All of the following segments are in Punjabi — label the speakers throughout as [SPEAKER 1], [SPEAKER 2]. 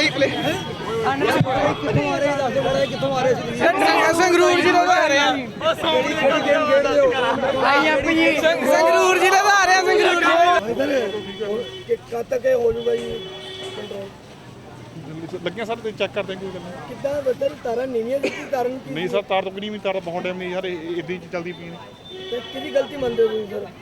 [SPEAKER 1] ਸੰਗਰੂਰ ਜ਼ਿਲ੍ਹੇ ਦਾ ਆ ਰਿਹਾ ਸੰਗਰੂਰ ਜ਼ਿਲ੍ਹੇ ਦਾ ਆ ਰਿਹਾ ਸੰਗਰੂਰ
[SPEAKER 2] ਕਦ ਤੱਕ ਹੋ ਜੂਗਾ ਜੀ ਕੰਟਰੋਲ
[SPEAKER 3] ਲੱਗਿਆ ਸਰ ਚੈੱਕ ਕਰਦੇ ਕੋਈ ਗੱਲ
[SPEAKER 2] ਕਿੱਦਾਂ ਬਦਰ ਤਾਰਾਂ ਨੀਵੀਆਂ ਦੀ ਕਾਰਨ ਕੀ
[SPEAKER 3] ਨਹੀਂ ਸਰ ਤਾਰ ਤੋਂ ਕਿਹੜੀ ਵੀ ਤਾਰ ਬਹੁਤ ਟਾਈਮ ਨਹੀਂ ਸਰ ਇੱਦਾਂ ਹੀ ਚੱਲਦੀ ਪਈ ਨੇ
[SPEAKER 2] ਤੇ ਕਿਹਦੀ ਗਲਤੀ ਮੰਨਦੇ ਹੋ ਤੁਸੀਂ ਸਰ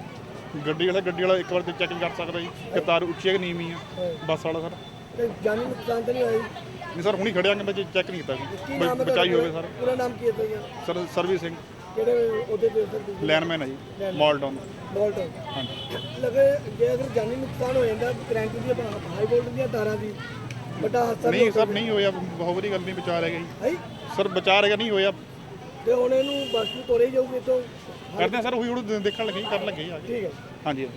[SPEAKER 3] ਗੱਡੀ ਵਾਲਾ ਇੱਕ ਵਾਰ ਤੇ ਚੈੱਕ ਕਰ ਸਕਦਾ ਜੀ ਕਿ ਤਾਰ ਉੱਚੀ ਹੈ ਕਿ ਨੀਵੀਂ ਆ ਬੱਸ ਵਾਲਾ ਸਰ
[SPEAKER 2] ਤੇ ਜਾਨੀ ਨੁਕਸਾਨ ਤਾਂ ਨਹੀਂ ਹੋਇਆ ਜੀ?
[SPEAKER 3] ਨਹੀਂ ਸਰ ਹੁਣੀ ਖੜਿਆ ਕਿ ਚੈੱਕ ਨਹੀਂ ਕੀਤਾ
[SPEAKER 2] ਕੀ
[SPEAKER 3] ਜੀ
[SPEAKER 2] ਨਾਮ ਹੈ
[SPEAKER 3] ਬਚਾਈ ਹੋਵੇ ਸਰ
[SPEAKER 2] ਪੂਰਾ ਨਾਮ ਕੀ ਹੈ ਤੁਹਾਡਾ
[SPEAKER 3] ਸਰ ਸਰਵਿਸ ਸਿੰਘ
[SPEAKER 2] ਕਿਹੜੇ ਉਹਦੇ ਤੇ ਸਰ ਤੁਸੀਂ
[SPEAKER 3] ਲੈਨਮੈਨ ਹੈ ਜੀ ਮਾਲਟਾਊਨ
[SPEAKER 2] ਬੋਲਟ
[SPEAKER 3] ਹਾਂਜੀ
[SPEAKER 2] ਲਗੇ ਜੇ ਅਗਰ ਜਾਨੀ ਨੁਕਸਾਨ ਹੋ ਜਾਂਦਾ ਕਰੰਟ ਦੀ ਹਾਈ ਵੋਲਟ ਦੀਆਂ ਤਾਰਾਂ ਦੀ ਵੱਡਾ ਹਾਦਸਾ
[SPEAKER 3] ਨਹੀਂ ਸਰ ਨਹੀਂ ਹੋਇਆ ਬਹੁਤ ਵਧੀਆ ਗੱਲ ਨਹੀਂ ਬਚਾ ਰਹਿ ਗਈ
[SPEAKER 2] ਹੈ
[SPEAKER 3] ਸਰ ਬਚਾ ਰਹਿ ਗਿਆ ਨਹੀਂ ਹੋਇਆ
[SPEAKER 2] ਤੇ ਹੁਣ ਇਹਨੂੰ ਬੱਸ ਨੂੰ ਤੋਰੇ ਜਾਊਗੇ ਤੋਂ
[SPEAKER 3] ਕਰਦੇ ਸਰ ਉਹੀ ਹੁਣ ਦੇਖਣ ਲੱਗੇ ਕਰਨ ਲੱਗੇ ਆ
[SPEAKER 2] ਠੀਕ ਹੈ
[SPEAKER 3] ਹਾਂਜੀ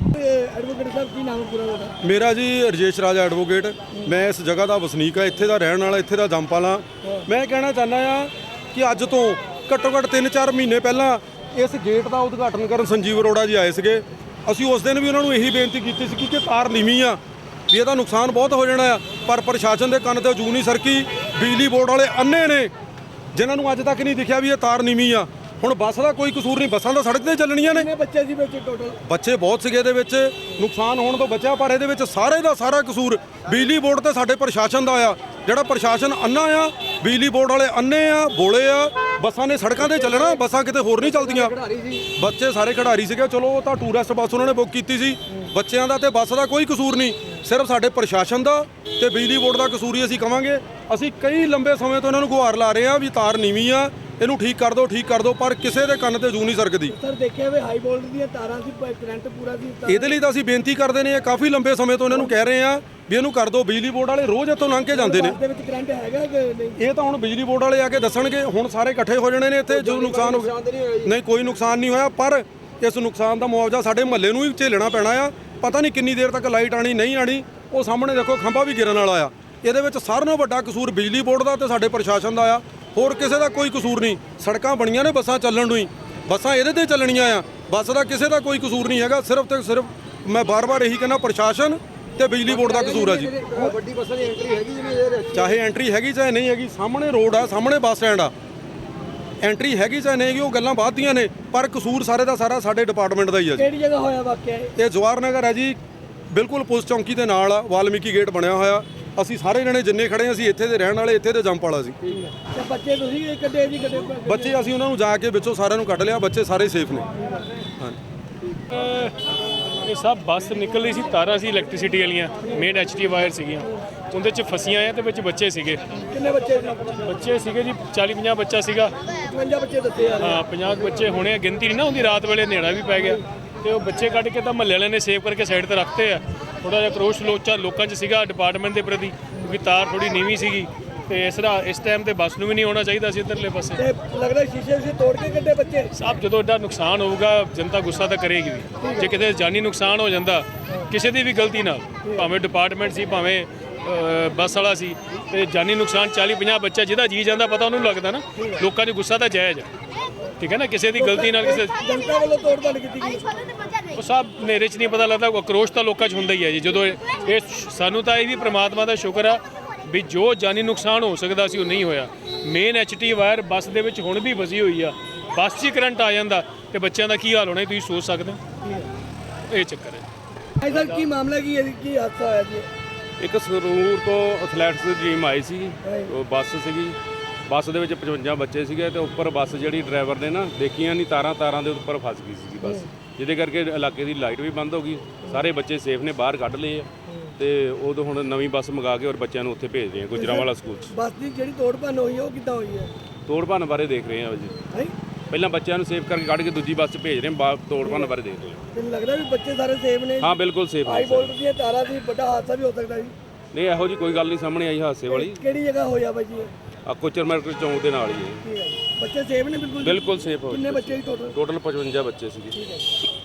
[SPEAKER 2] ਐਡਵੋਕੇਟ ਸਾਹਿਬ ਕੀ ਨਾਮ ਹੈ ਪੂਰਾ ਤੁਹਾਡਾ
[SPEAKER 4] ਮੇਰਾ ਜੀ ਰਜੇਸ਼ ਰਾਜ ਐਡਵੋਕੇਟ ਮੈਂ ਇਸ ਜਗ੍ਹਾ ਦਾ ਵਸਨੀਕ ਆ ਇੱਥੇ ਦਾ ਰਹਿਣ ਵਾਲਾ ਇੱਥੇ ਦਾ ਜੰਮਪਲ ਹਾਂ ਮੈਂ ਕਹਿਣਾ ਚਾਹੁੰਦਾ ਆ ਕਿ ਅੱਜ ਤੋਂ ਘੱਟੋ ਘੱਟ 3-4 ਮਹੀਨੇ ਪਹਿਲਾਂ ਇਸ ਗੇਟ ਦਾ ਉਦਘਾਟਨ ਕਰਨ ਸੰਜੀਵ ਅਰੋੜਾ ਜੀ ਆਏ ਸੀਗੇ ਅਸੀਂ ਉਸ ਦਿਨ ਵੀ ਉਹਨਾਂ ਨੂੰ ਇਹੀ ਬੇਨਤੀ ਕੀਤੀ ਸੀ ਕਿ ਤਾਰ ਨੀਵੀਂ ਆ ਵੀ ਇਹਦਾ ਨੁਕਸਾਨ ਬਹੁਤ ਹੋ ਜਾਣਾ ਆ ਪਰ ਪ੍ਰਸ਼ਾਸਨ ਦੇ ਕੰਨ ਤੇ ਜੂ ਨਹੀਂ ਸਰਕੀ ਬਿਜਲੀ ਬੋਰਡ ਵਾਲੇ ਅੰਨੇ ਨੇ ਜਿਨ੍ਹਾਂ ਨੂੰ ਅੱਜ ਤੱਕ ਨਹੀਂ ਦਿਖਿਆ ਵੀ ਇਹ ਤਾਰ ਨੀਵੀਂ ਆ ਹੁਣ ਬੱਸ ਦਾ ਕੋਈ ਕਸੂਰ ਨਹੀਂ ਬੱਸਾਂ ਤਾਂ ਸੜਕ ਤੇ ਚੱਲਣੀਆਂ ਨੇ
[SPEAKER 2] ਕਿੰਨੇ ਬੱਚੇ ਸੀ ਵਿੱਚ ਟੋਟਲ
[SPEAKER 4] ਬੱਚੇ ਬਹੁਤ ਸੀਗੇ ਇਹਦੇ ਵਿੱਚ ਨੁਕਸਾਨ ਹੋਣ ਤੋਂ ਬਚਿਆ ਪਰ ਇਹਦੇ ਵਿੱਚ ਸਾਰੇ ਦਾ ਸਾਰਾ ਕਸੂਰ ਬਿਜਲੀ ਬੋਰਡ ਤੇ ਸਾਡੇ ਪ੍ਰਸ਼ਾਸਨ ਦਾ ਆ ਜਿਹੜਾ ਪ੍ਰਸ਼ਾਸਨ ਅੰਨਾ ਆ ਬਿਜਲੀ ਬੋਰਡ ਵਾਲੇ ਅੰਨੇ ਆ ਬੋਲੇ ਆ ਬੱਸਾਂ ਨੇ ਸੜਕਾਂ ਤੇ ਚੱਲਣਾ ਬੱਸਾਂ ਕਿਤੇ ਹੋਰ ਨਹੀਂ ਚੱਲਦੀਆਂ ਬੱਚੇ ਸਾਰੇ ਖਿਡਾਰੀ ਸੀਗੇ ਚਲੋ ਉਹ ਤਾਂ ਟੂਰਿਸਟ ਬੱਸ ਉਹਨਾਂ ਨੇ ਬੁੱਕ ਕੀਤੀ ਸੀ ਬੱਚਿਆਂ ਦਾ ਤੇ ਬੱਸ ਦਾ ਕੋਈ ਕਸੂਰ ਨਹੀਂ ਸਿਰਫ ਸਾਡੇ ਪ੍ਰਸ਼ਾਸਨ ਦਾ ਤੇ ਬਿਜਲੀ ਬੋਰਡ ਦਾ ਕਸੂਰ ਹੀ ਅਸੀਂ ਕਵਾਂਗੇ ਅਸੀਂ ਕਈ ਲੰਬੇ ਸਮੇਂ ਤੋਂ ਇਹਨਾਂ ਨੂੰ ਗੁਹਾਰ ਲਾ ਰਹੇ ਆ ਵੀ ਤਾਰ ਨੀਵੀਂ ਆ ਇਹਨੂੰ ਠੀਕ ਕਰ ਦਿਓ ਪਰ ਕਿਸੇ ਦੇ ਕੰਨ ਤੇ ਜੂ ਨਹੀਂ ਸਰਕਦੀ
[SPEAKER 2] ਸਰ ਦੇਖਿਆ ਵੀ ਹਾਈ ਵੋਲਟ ਦੀਆਂ ਤਾਰਾਂ ਸੀ ਕਰੰਟ ਪੂਰਾ ਸੀ
[SPEAKER 4] ਇਹਦੇ ਲਈ ਤਾਂ ਅਸੀਂ ਬੇਨਤੀ ਕਰਦੇ ਨੇ ਕਾਫੀ ਲੰਬੇ ਸਮੇਂ ਤੋਂ ਇਹਨਾਂ ਨੂੰ ਕਹਿ ਰਹੇ ਆ ਵੀ ਇਹਨੂੰ ਕਰ ਦਿਓ ਬਿਜਲੀ ਬੋਰਡ ਵਾਲੇ ਰੋਜ਼ ਇੱਥੋਂ ਲੰਘ ਕੇ ਜਾਂਦੇ ਨੇ
[SPEAKER 2] ਦੇ ਵਿੱਚ ਕਰੰਟ ਹੈਗਾ ਕਿ ਨਹੀਂ
[SPEAKER 4] ਇਹ ਤਾਂ ਹੁਣ ਬਿਜਲੀ ਬੋਰਡ ਵਾਲੇ ਆ ਕੇ ਦੱਸਣਗੇ ਹੁਣ ਸਾਰੇ ਇਕੱਠੇ ਹੋ ਜਾਣੇ ਨੇ ਇੱਥੇ ਜੋ ਨੁਕਸਾਨ ਹੋ ਗਿਆ ਨਹੀਂ ਕੋਈ ਨੁਕਸਾਨ ਨਹੀਂ ਹੋਇਆ ਪਰ ਇਸ ਨੁਕਸਾਨ ਦਾ ਮੁਆਵਜ਼ਾ ਸਾਡੇ ਮਹੱਲੇ ਨੂੰ ਹੀ ਝੇਲਣਾ ਪੈਣਾ ਆ ਪਤਾ ਨਹੀਂ ਕਿੰਨੀ ਦੇਰ ਤੱਕ ਲਾਈਟ ਆਣੀ ਨਹੀਂ ਆਣੀ ਉਹ ਸਾਹਮਣੇ ਦੇਖੋ ਖੰਭਾ ਵੀ ਗਿਰਨ ਵਾਲਾ ਆ ਇਹਦੇ ਵਿੱਚ ਸਾਰਿਆਂ ਨਾਲੋਂ ਵੱਡਾ ਕਸੂਰ ਬਿਜਲੀ ਬੋਰਡ ਦਾ ਤੇ ਸਾਡੇ ਪ੍ਰਸ਼ਾਸਨ ਦਾ ਆ ਹੋਰ ਕਿਸੇ ਦਾ ਕੋਈ ਕਸੂਰ ਨਹੀਂ ਸੜਕਾਂ ਬਣੀਆਂ ਨੇ ਬੱਸਾਂ ਚੱਲਣ ਨੂੰ ਹੀ ਬੱਸਾਂ ਇਹਦੇ ਤੇ ਚੱਲਣੀਆਂ ਆ ਬੱਸ ਦਾ ਕਿਸੇ ਦਾ ਕੋਈ ਕਸੂਰ ਨਹੀਂ ਹੈਗਾ ਸਿਰਫ ਤੇ ਸਿਰਫ ਮੈਂ ਬਾਰ-ਬਾਰ ਇਹੀ ਕਹਿੰਦਾ ਪ੍ਰਸ਼ਾਸਨ ਤੇ ਬਿਜਲੀ ਬੋਰਡ ਦਾ ਕਸੂਰ ਆ ਜੀ
[SPEAKER 2] ਵੱਡੀ ਬੱਸਾਂ ਦੀ ਐਂਟਰੀ ਹੈਗੀ ਜਿਵੇਂ
[SPEAKER 4] ਚਾਹੇ ਐਂਟਰੀ ਹੈਗੀ ਚਾਹੇ ਨਹੀਂ ਹੈਗੀ ਸਾਹਮਣੇ ਰੋਡ ਆ ਸਾਹਮਣੇ ਬੱਸ ਸਟੈਂਡ ਆ ਐਂਟਰੀ ਹੈਗੀ ਚਾਹੇ ਨਹੀਂ ਹੈਗੀ ਉਹ ਗੱਲਾਂ ਬਾਅਦ ਦੀਆਂ ਨੇ ਪਰ ਕਸੂਰ ਸਾਰੇ ਦਾ ਸਾਰਾ ਸਾਡੇ ਡਿਪਾਰਟਮੈਂਟ ਦਾ ਹੀ ਆ ਜੀ
[SPEAKER 2] ਕਿਹੜੀ ਜਗ੍ਹਾ ਹੋਇਆ ਵਾਕਿਆ
[SPEAKER 4] ਇਹ ਜਵਾਹਰ ਨਗਰ ਹੈ ਜੀ ਬਿਲਕੁਲ ਪੁਲਿਸ ਚੌਂਕੀ ਦੇ ਨਾਲ ਆ ਵਾਲਮੀਕੀ ਗੇਟ ਬਣਿਆ ਹੋਇਆ ਅਸੀਂ ਸਾਰੇ ਜਣੇ ਜਿੰਨੇ ਖੜੇ ਅਸੀਂ ਇੱਥੇ ਦੇ ਰਹਿਣ ਵਾਲੇ ਇੱਥੇ ਦੇ ਜੰਮ ਵਾਲਾ ਸੀ
[SPEAKER 2] ਤੇ ਬੱਚੇ ਤੁਸੀਂ ਕੱਢੇ ਜੀ ਕੱਢੇ
[SPEAKER 4] ਬੱਚੇ ਅਸੀਂ ਉਹਨਾਂ ਨੂੰ ਜਾ ਕੇ ਵਿੱਚੋਂ ਸਾਰਿਆਂ ਨੂੰ ਕੱਢ ਲਿਆ ਬੱਚੇ ਸਾਰੇ ਸੇਫ ਨੇ ਹਾਂ
[SPEAKER 5] ਇਹ ਸਭ ਬੱਸ ਨਿਕਲ ਰਹੀ ਸੀ ਤਾਰਾਂ ਸੀ ਇਲੈਕਟ੍ਰਿਸਿਟੀ ਵਾਲੀਆਂ ਮੇਨ ਐਚਟੀ ਵਾਇਰ ਸੀਗੀਆਂ ਉਹਦੇ 'ਚ ਫਸੀਆਂ ਆ ਤੇ ਵਿੱਚ ਬੱਚੇ ਸੀਗੇ
[SPEAKER 2] ਕਿੰਨੇ ਬੱਚੇ ਸੀ
[SPEAKER 5] ਬੱਚੇ ਸੀਗੇ ਜੀ 40-50 ਬੱਚਾ ਸੀਗਾ
[SPEAKER 2] 55 ਬੱਚੇ ਦੱਸੇ ਆ
[SPEAKER 5] ਹਾਂ 50 ਬੱਚੇ ਹੋਣੇ ਗਿਣਤੀ ਨਹੀਂ ਨਾ ਹੁੰਦੀ ਰਾਤ ਵੇਲੇ ਹਨੇਰਾ ਵੀ ਪੈ ਗਿਆ ਤੇ ਉਹ ਬੱਚੇ ਕੱਢ ਕੇ ਤਾਂ ਮਹੱਲੇ ਵਾਲਿਆਂ ਨੇ ਸੇਵ ਕਰਕੇ ਸਾਈਡ ਤੇ ਰੱਖਤੇ ਆ ਥੋੜਾ ਜਿਹਾ ਕਰੋਸ਼ ਲੋਕਾਂ 'ਚ ਸੀਗਾ ਡਿਪਾਰਟਮੈਂਟ ਦੇ ਪ੍ਰਤੀ ਕਿਉਂਕਿ ਤਾਰ ਥੋੜੀ ਨੀਵੀਂ ਸੀਗੀ ਤੇ ਇਸ ਟਾਈਮ ਤੇ ਬੱਸ ਨੂੰ ਵੀ ਨਹੀਂ ਆਉਣਾ ਚਾਹੀਦਾ ਸੀ ਇੱਧਰਲੇ ਪਾਸੇ
[SPEAKER 2] ਤੇ ਲੱਗਦਾ ਸ਼ੀਸ਼ੇ ਤੋੜ ਕੇ ਕੱਢੇ ਬੱਚੇ
[SPEAKER 5] ਸਭ ਜਦੋਂ ਐਡਾ ਨੁਕਸਾਨ ਹੋਊਗਾ ਜਨਤਾ ਗੁੱਸਾ ਤਾਂ ਕਰੇਗੀ ਵੀ ਜੇ ਕਿਤੇ ਜਾਨੀ ਨੁਕਸਾਨ ਹੋ ਜਾਂਦਾ ਕਿਸੇ ਦੀ ਵੀ ਗਲਤੀ ਨਾਲ ਭਾਵੇਂ ਡਿਪਾਰਟਮੈਂਟ ਸੀ ਭਾਵੇਂ ਬੱਸ ਵਾਲਾ ਸੀ ਤੇ ਜਾਨੀ ਨੁਕਸਾਨ 40-50 ਬੱਚਾ ਜਿਹਦਾ ਜੀ ਜਾਂਦਾ ਪਤਾ ਉਹਨੂੰ ਲੱਗਦਾ ਨਾ ਲੋਕਾਂ 'ਚ ਗੁੱਸਾ ਤਾਂ ਜਾਇਜ਼ ਠੀਕ ਹੈ ਨਾ ਕਿਸੇ ਦੀ ਗਲਤੀ ਨਾਲ ਕਿਸੇ
[SPEAKER 2] ਜਨਤਾ ਵੱਲੋਂ ਤੋੜ ਭੰਨ ਕੀਤੀ ਗਈ
[SPEAKER 5] ਉਹ ਸਭ ਹਨੇਰੇ 'ਚ ਨਹੀਂ ਪਤਾ ਲੱਗਦਾ ਆਕਰੋਸ਼ ਤਾਂ ਲੋਕਾਂ 'ਚ ਹੁੰਦਾ ਹੀ ਹੈ ਜੀ ਜਦੋਂ ਇਹ ਸਾਨੂੰ ਤਾਂ ਇਹ ਵੀ ਪ੍ਰਮਾਤਮਾ ਦਾ ਸ਼ੁਕਰ ਆ ਵੀ ਜੋ ਜਾਨੀ ਨੁਕਸਾਨ ਹੋ ਸਕਦਾ ਸੀ ਉਹ ਨਹੀਂ ਹੋਇਆ ਮੇਨ ਐਚਟੀ ਵਾਇਰ ਬੱਸ ਦੇ ਵਿੱਚ ਹੁਣ ਵੀ ਫਸੀ ਹੋਈ ਆ ਬੱਸ 'ਚ ਕਰੰਟ ਆ ਜਾਂਦਾ ਤੇ ਬੱਚਿਆਂ ਦਾ ਕੀ ਹਾਲ ਹੋਣਾ ਤੁਸੀਂ ਸੋਚ ਸਕਦੇ ਹੋ ਇਹ ਚੱਕਰ ਹੈ
[SPEAKER 2] ਸਰ ਕੀ ਮਾਮਲਾ ਕੀ ਹੈ ਕੀ ਹਾਦਸਾ ਹੋਇਆ ਜੀ
[SPEAKER 6] ਇੱਕ ਸੰਗਰੂਰ ਤੋਂ ਐਥਲੈਟਿਕਸ ਦੀ ਟੀਮ ਆਈ ਸੀ ਉਹ ਬੱਸ ਸੀਗੀ ਬੱਸ ਦੇ ਵਿੱਚ 55 ਬੱਚੇ ਸੀਗੇ ਤੇ ਉੱਪਰ ਬੱਸ ਜਿਹੜੀ ਡਰਾਈਵਰ ਨੇ ਨਾ ਦੇਖੀਆਂ ਨਹੀਂ ਤਾਰਾਂ ਦੇ ਉੱਪਰ ਫਸ ਗਈ ਸੀਗੀ ਬੱਸ ਜਿਹਦੇ ਕਰਕੇ ਇਲਾਕੇ ਦੀ ਲਾਈਟ ਵੀ ਬੰਦ ਹੋ ਗਈ ਸਾਰੇ ਬੱਚੇ ਸੇਫ ਨੇ ਬਾਹਰ ਕੱਢ ਲਏ ਆ ਤੇ ਉਦੋਂ ਹੁਣ ਨਵੀਂ ਬੱਸ ਮੰਗਾ ਕੇ ਔਰ ਬੱਚਿਆਂ ਨੂੰ ਉੱਥੇ ਭੇਜ ਰਹੇ ਆ ਗੁਜਰਾਂਵਾਲਾ ਸਕੂਲ 'ਚ
[SPEAKER 2] ਬੱਸ ਦੀ ਜਿਹੜੀ ਤੋੜ ਭੰਨ ਹੋਈ ਉਹ ਕਿੱਦਾਂ ਹੋਈ ਹੈ
[SPEAKER 6] ਤੋੜ ਭੰਨ ਬਾਰੇ ਦੇਖ ਰਹੇ ਆ ਜੀ ਪਹਿਲਾਂ ਬੱਚਿਆਂ ਨੂੰ ਸੇਫ ਕਰਕੇ ਕੱਢ ਕੇ ਦੂਜੀ ਬੱਸ 'ਚ ਭੇਜ ਰਹੇ ਆ ਤੋੜ ਭੰਨ ਬਾਰੇ ਦੇਖ ਰਹੇ ਆ
[SPEAKER 2] ਤੈਨੂੰ ਲੱਗਦਾ ਵੀ ਬੱਚੇ ਸਾਰੇ ਸੇਫ ਨੇ
[SPEAKER 6] ਹਾਂ ਬਿਲਕੁਲ ਸੇਫ
[SPEAKER 2] ਹਾਈ ਵੋਲਟ ਦੀਆਂ ਤਾਰਾਂ ਦੀ ਵੱਡਾ ਹਾਦਸਾ ਵੀ ਹੋ ਸਕਦਾ ਜੀ
[SPEAKER 6] ਨਹੀਂ ਇਹੋ ਜੀ ਕੋਈ ਗੱਲ ਨਹੀਂ ਸਾਹਮਣੇ ਆਈ ਹਾਦਸੇ ਵਾਲੀ
[SPEAKER 2] ਕਿਹੜੀ ਜਗ੍ਹਾ ਹੋਇਆ ਬਾਈ ਜੀ
[SPEAKER 6] ਆ ਕੋਚਰ ਮਾਰਕੀਟ ਚੌਂਕ ਦੇ ਨਾਲ ਹੀ ਹੈ
[SPEAKER 2] ਠੀਕ ਹੈ ਬੱਚੇ ਸੇਫ ਨੇ ਬਿਲਕੁਲ
[SPEAKER 6] ਬਿਲਕੁਲ ਸੇਫ ਹੋ
[SPEAKER 2] ਕਿੰਨੇ ਬੱਚੇ ਟੋਟਲ
[SPEAKER 6] 55 ਬੱਚੇ ਸੀਗੇ